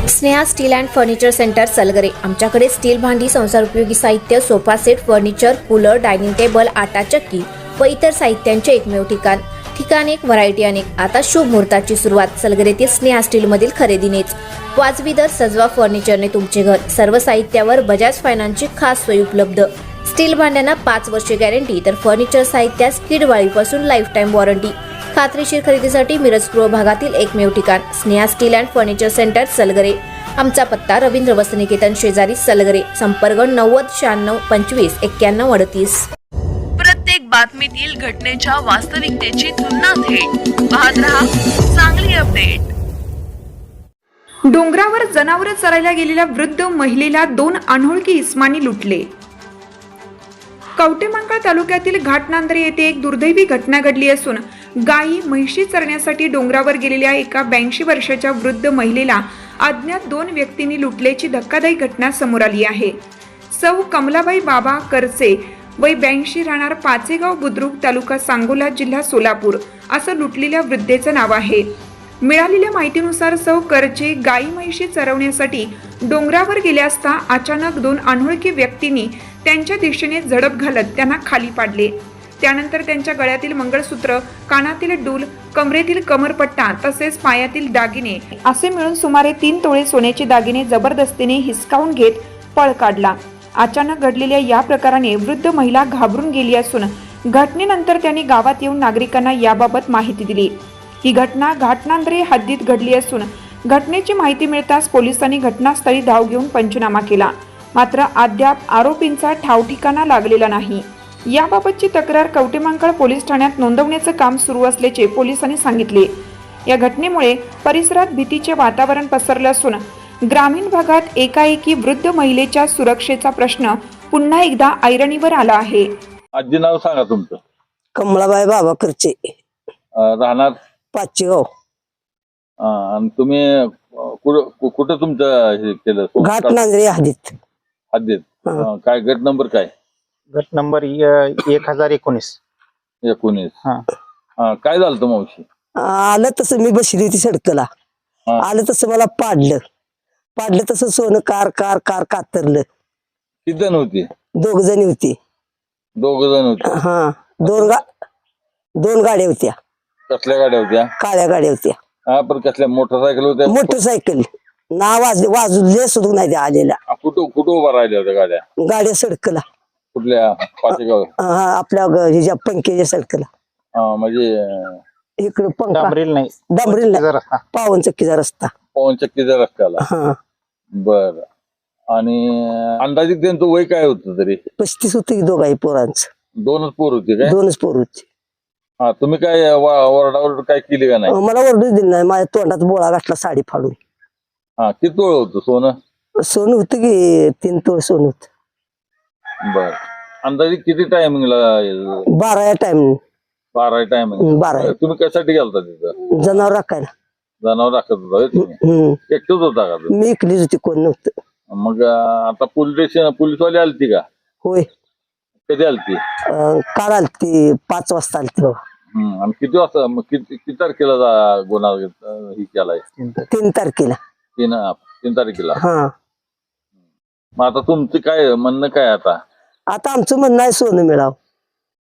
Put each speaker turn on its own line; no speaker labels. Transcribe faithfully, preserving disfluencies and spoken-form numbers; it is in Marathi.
Sneha steel and furniture centre Salgare. आमच्याकडे स्टील भांडी, संसारोपयोगी साहित्य, sofa set, furniture, cooler, dining table, आटा चक्की व इतर साहित्यांचे एकमेव ठिकाण। ठिकाण एक, व्हरायटी अनेक। आता शुभ मुहूर्ताची सुरुवात सलगरेतील स्नेहा स्टील मधील खरेदीनेच। वाजवी दर, सजवा फर्निचरने तुमचे घर। सर्व साहित्यावर बजाज फायनान्सची खास सोय उपलब्ध। स्टील भांड्यांना पाच वर्षे गॅरंटी, तर फर्निचर साहित्यास किडवाळीपासून लाईफ टाईम वॉरंटी। खात्रीशीर खरेदीसाठी मिरज पूर्व भागातील एकमेव ठिकाण Sneha steel and furniture centre Salgare. आमचा पत्ता रवींद्र वसनिकेतन शेजारी सलगरे। संपर्क नव्वद शहाण्णव पंचवीस एक्क्याण्णव अडतीस।
प्रत्येक बातमीतील घटनेच्या वास्तविकतेची तुलना थेट पाहत रहा चांगली अपडेट।
डोंगरावर जनावर चरायला गेलेल्या वृद्ध महिलेला दोन अनोळखी इस्मानी लुटले। कवटेमंकाळ तालुक्यातील घाटनांदरे येथे एक दुर्दैवी घटना घडली असून गायी म्हैशी चरण्यासाठी डोंगरावर गेलेल्या एका ब्याऐंशी वर्षाच्या वृद्ध महिलेला अज्ञात दोन व्यक्तींनी लुटल्याची धक्कादायक घटना समोर आली आहे। सौ कमलाबाई बाबा करचे वय ब्याऐंशी, राहणार पाचेगाव बुद्रुक, तालुका सांगोला, जिल्हा सोलापूर असं लुटलेल्या वृद्धेचं नाव आहे। मिळालेल्या माहितीनुसार सौ करचे गायी म्हैशी चरवण्यासाठी डोंगरावर गेले असता अचानक दोन अनोळखी व्यक्तींनी त्यांच्या दिशेने झडप घालत त्यांना खाली पाडले। त्यानंतर त्यांच्या गळ्यातील मंगळसूत्र, कानातील डूल, कमरेतील कमरपट्टा तसेच पायातील दागिने असे मिळून सुमारे तीन तोळे सोन्याचे दागिने जबरदस्तीने हिसकावून घेत पळ काढला। अचानक घडलेल्या या प्रकाराने वृद्ध महिला घाबरून गेली असून घटनेनंतर त्यांनी गावात येऊन नागरिकांना याबाबत माहिती दिली। ही घटना घाटनांदरे हद्दीत घडली असून घटनेची माहिती मिळताच पोलिसांनी घटनास्थळी धाव घेऊन पंचनामा केला। मात्र अद्याप आरोपींचा ठावठिकाणा लागलेला नाही। याबाबतची तक्रार कवटेमंकाळ पोलीस ठाण्यात नोंदवण्याचं काम सुरू असल्याचे पोलिसांनी सांगितले। या घटनेमुळे परिसरात भीतीचे वातावरण पसरले असून ग्रामीण भागात एकाएकी वृद्ध महिलेच्या सुरक्षेचा प्रश्न पुन्हा एकदा ऐरणीवर आला आहे।
आजी नाव सांगा तुमचं?
कमलाबाई बाबा करचे,
अं, राहणार
पाचेगाव।
अं, आणि तुम्ही कुठं कुठं तुमचं हे केलं?
घाटनांदरे हद्दीत।
हद्दीत अं, काय गट नंबर काय?
गट नंबर य- एक हजार एकोणीस
एकोणीस।
हा
अं, काय झालं होतं मावशी?
आलं तसं मी बसली होती सडकला,
हा.
आलं तसं मला पाडलं पाडलं तसं सोनं कार कार कार कातरलं।
किती जण होती?
दोघ जणी होती।
दोघ जण होते।
हा, दोन गा दोन गाड्या होत्या,
कसल्या गाड्या होत्या?
काळ्या गाड्या होत्या।
हा, पण कसल्या मोटरसायकल होत्या?
मोटरसायकल ना वाजले वाजले सुद्धा नाही त्या आलेल्या।
अं, कुठं कुठं उभा राहिल्या होत्या गाड्या?
गाड्या सडकला,
कुठल्या? पाचेगाव?
हा, आपल्या ग- ह्याच्या पंख्याच्या सडकला।
अं, म्हणजे अं,
इकडे पंखा
डांबरील नाही
डांबरील नाही,
जरा हा.
पावन चक्कीचा रस्ता।
पवन चक्कीच्या रस्त्याला?
हा,
बर। आणि अं, अंदाजित त्यांचं वय काय होतं तरी?
पस्तीस होती दोघाही पोरांचं,
दोनच पोर होते काय?
दोनच पोर होती।
हा, तुम्ही काय वरडावर काय केली का नाही?
मला ओरडूच दिली नाही, माझ्या तोंडात बोळा घातला साडी फाडून।
हा, किती तोळ होतं सोनं?
सोनं होतं की तीन तोळ सोनं होत।
बर। अंदाजे किती टायमिंगला?
बारा या टाइम
बारा टायमिंग?
बारा.
तुम्ही कशासाठी गेलता तिथं?
जनावर राखायला।
जनावर राखत होता होय तुम्ही?
हम्म,
एकटंच होता का तुम्ही?
मी इकलीच होती, कोण नव्हतं।
मग अं, आता पोलीस स्टेशन पोलीसवाले आलती का?
होय,
कधी आलती?
अं, काल आलती, पाच वाजता आलती बाबा।
हम्म, आणि किती वाजता मग किती किती तारखेला जा- गुन्हा अं, ही केलाय?
तीन तारखेला।
तीन तीन तारखेला?
हा,
मग आता तुमचं काय म्हणणं काय आता?
आता आमचं म्हणणं आहे सोनं मिळावं।